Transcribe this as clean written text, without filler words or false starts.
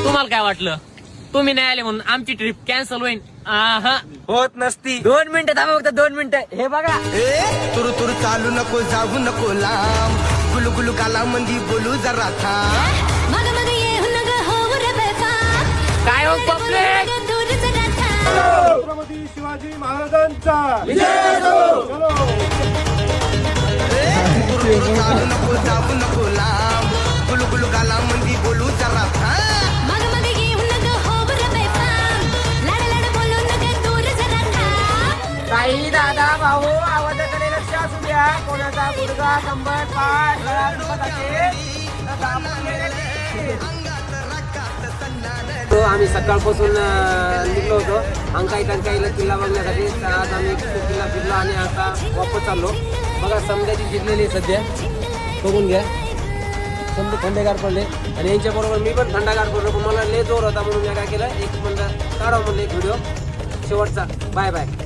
तुम्हाला काय वाटलं? तुम्ही नाही आले म्हणून आमची ट्रिप कॅन्सल होईल? होत नसती. 2 मिनिटं थांबा, फक्त 2 मिनिटं. हे बघा, तुरु तुरु चालू नको, जाऊ नको लांब, गुलू गुलू गाला मंदी बोलू जरा थांब. काय हो पब्लिक, छत्रपती शिवाजी महाराजांचा तुरु तुरु चालू नको, जाऊ नको लांब, गुलू गुलू गाला मंदी बोलू जरा थांब. काही दादा भाऊ आवाजाकडे लक्ष असू द्या. कोणाचा गुडघा, कंबर, पाठ, गळा दुखत असेल तर दाबून घ्या. तो आम्ही सकाळपासून निघलो होतो अंकाई टंकाईला किल्ला बघण्यासाठी. तर आज आम्ही किल्ला फिरलो आणि आता वापस चाललो. बघा समजाची जिरलेली सध्या बघून घ्या. समजा थंडेगार पडले आणि यांच्याबरोबर मी पण थंडगार पडलो. पण मला लय जोर होता म्हणून मी काय केलं, एक म्हणलं काढावं म्हणलं एक व्हिडिओ शेवटचा. Bye bye.